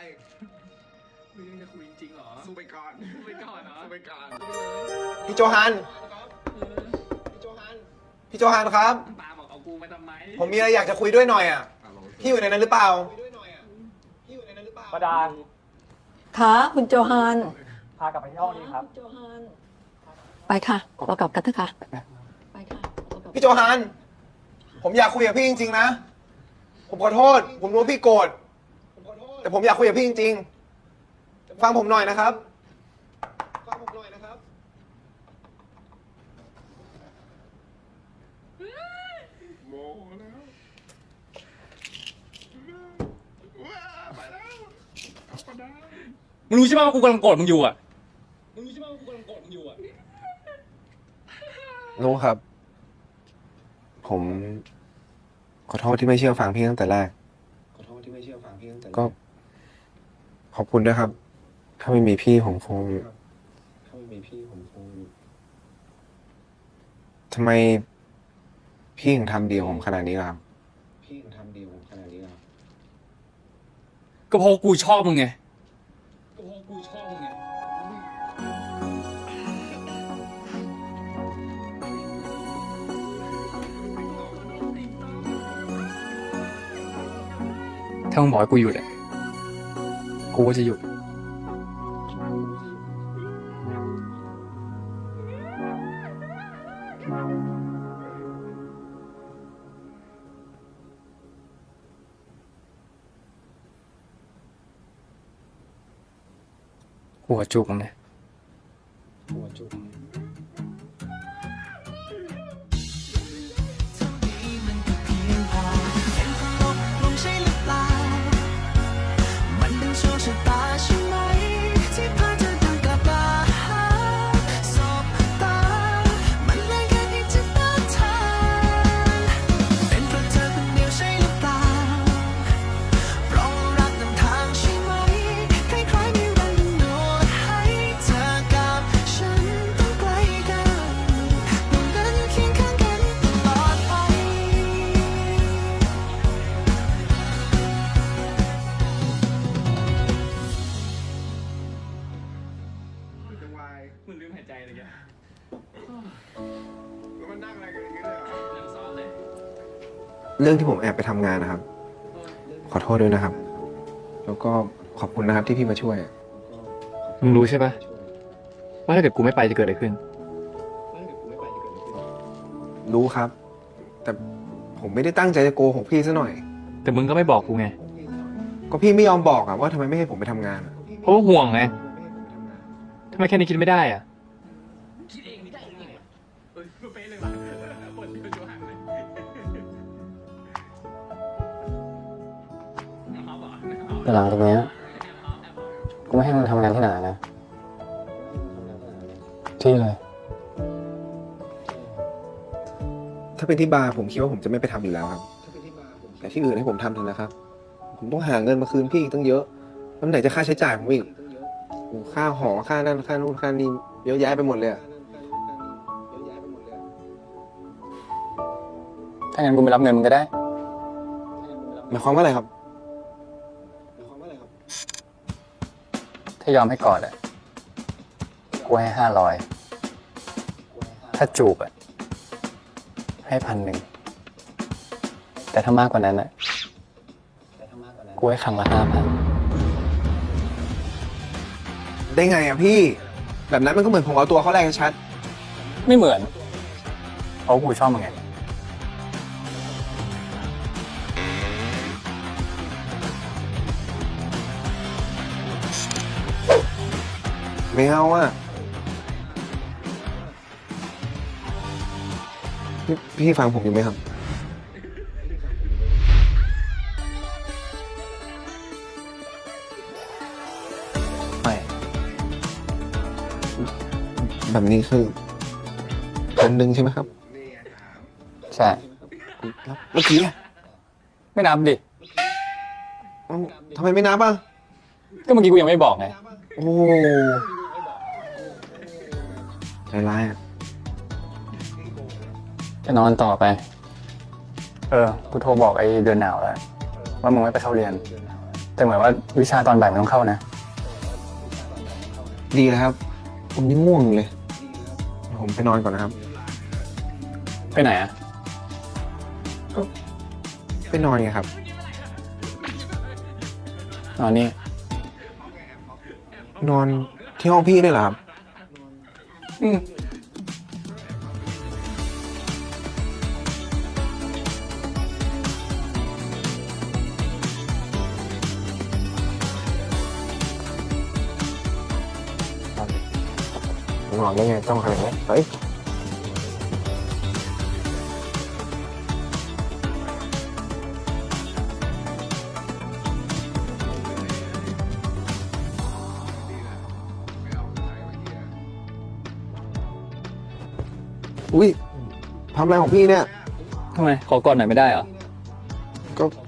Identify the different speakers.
Speaker 1: มึงยังจะคุยจริงเหรอ
Speaker 2: สู้ไปก่อน
Speaker 1: สู้ไปก่อนเหรอ
Speaker 2: สู้ไปก่อน
Speaker 3: พี่โจฮันพี่โจฮันครับ
Speaker 1: ปาบอกเอากูมาทำไม
Speaker 3: ผมมีอะไรอยากจะคุยด้วยหน่อยอ่ะพี่อยู่ในนั้นหรือเปล่า
Speaker 4: ประดา
Speaker 5: ค่ะคุณโจฮัน
Speaker 4: พากลับไปที่ห้องนี้ครับ
Speaker 5: โจฮันไปค่ะเรากลับกันเถอะค่ะไปค่ะ
Speaker 3: พี่โจฮันผมอยากคุยกับพี่จริงๆนะผมขอโทษผมรู้ว่าพี่โกรธแต่ผมอยากคุยกับพี่จริงๆฟังผมหน่อยนะครับ
Speaker 2: โมแล้วไปแล้วประดา
Speaker 4: มึงรู้ใช่ไหมว่ากูกำลังโกรธมึงอยู่อ่ะ
Speaker 3: รู้ครับ ผมขอโทษที่ไม่เชื่อฟังพี่ตั้งแต่แรกก็ขอบคุณด้วยครับถ้าไม่มีพี่ผมคงทำไมพี่ถึงทำดีกับผมขนาดนี้ล่ะครับ
Speaker 4: ก็เพราะกูชอบมึงไงถ้ามึงบอกให้กูหยุดอ่ะกูก็จะหยุดกูขอจูบมึงนะ
Speaker 1: มึงลืมหายใจเลยแก
Speaker 2: แล้วมันนั่งอะไรกันอย่างนี้เลยเหรอ
Speaker 1: ยังซ้อนเลย
Speaker 3: เรื่องที่ผมแอบไปทำงานนะครับ ขอโทษด้วยนะครับ แล้วก็ขอบคุณนะครับที่พี่มาช่วย
Speaker 4: มึงรู้ใช่ปะว่าถ้าเกิดกูไม่ไปจะเกิดอะไรขึ้น
Speaker 3: รู้ครับ แต่ผมไม่ได้ตั้งใจจะโกหกพี่ซะหน่อย
Speaker 4: แต่มึงก็ไม่บอกกูไง
Speaker 3: ก็พี่ไม่ยอมบอกอะว่าทำไมไม่ให้ผมไปทำงานอะ
Speaker 4: เพราะว่าห่วงไงทำไมแค่นี้คิดไม่ได้อ่ะ
Speaker 1: คิดเองไม่ได้ยังไงเออเป๊ะเลยว่ะปวดที่เป็นโจหันเลยเอาบอก
Speaker 6: แต่หลังจากเนี้ยกูไม่ให้มึงทำงานที่ไหนนะ ที่เลย
Speaker 3: ถ้าเป็นที่บาร์ผมคิดว่าผมจะไม่ไปทำอยู่แล้วครับ แต่ที่อื่นให้ผมทำเถอะนะครับ ผมต้องหาเงินมาคืนพี่อีกตั้งเยอะแล้วไหนจะค่าใช้จ่ายผมอีกโอ้ค่าหอค่านั่นค่านู่นค่านี่เยอะแยะไปหมดเลยอะ
Speaker 6: ถ้างั้นกูไม่รับเงินมึงก็ได้
Speaker 3: หมายความว่าอะไรครับ
Speaker 6: ถ้ายอมให้กอดอ่ะ กูให้500ถ้าจูบอ่ะ ให้1,000แต่ถ้ามากกว่านั้นอ่ะ กูให้ครั้งละ5,000
Speaker 3: ได้ไงอะพี่ แบบนั้นมันก็เหมือนผมเอาตัวเขาแรกชัด
Speaker 6: ไม่เหมือน เพราะกูชอบมึงไง
Speaker 3: ไม่เอาอะพี่ฟังผมอยู่ไหมครับ
Speaker 6: ไม่
Speaker 3: แบบนี้คือ1,000ใช่ไหมครับ
Speaker 6: ใช่
Speaker 3: แล้วเมื่อกี้อะ
Speaker 6: ไม่นับดิ
Speaker 3: เอ้าทำไมไม่นับอ่ะ
Speaker 6: ก็เมื่อกี้กูยังไม่บอกไง
Speaker 3: โอ้ใจร้ายอ่ะ
Speaker 6: จะนอนต่อไป กูโทรบอกไอ้เดือนหนาวแล้ว ว่ามึงไม่ไปเข้าเรียนแต่เหมือนว่าวิชาตอนบ่ายมันต้องเข้านะ
Speaker 3: ดีแล้วครับ ผมยังง่วงอยู่เลย ผมไปนอนก่อนนะครับ
Speaker 6: ไปไหนอะ
Speaker 3: ไปนอนไงครับ
Speaker 6: นอนนี่
Speaker 3: นอนที่ห้องพี่ด้วยเหรอครับ นอนได้ไงจ้องขนาดนี้เฮ้ย อุ้ยทำอะไรของพี่เนี่ย
Speaker 6: ทำไม ขอกอดหน่อยไม่ได้เหรอ
Speaker 3: ก็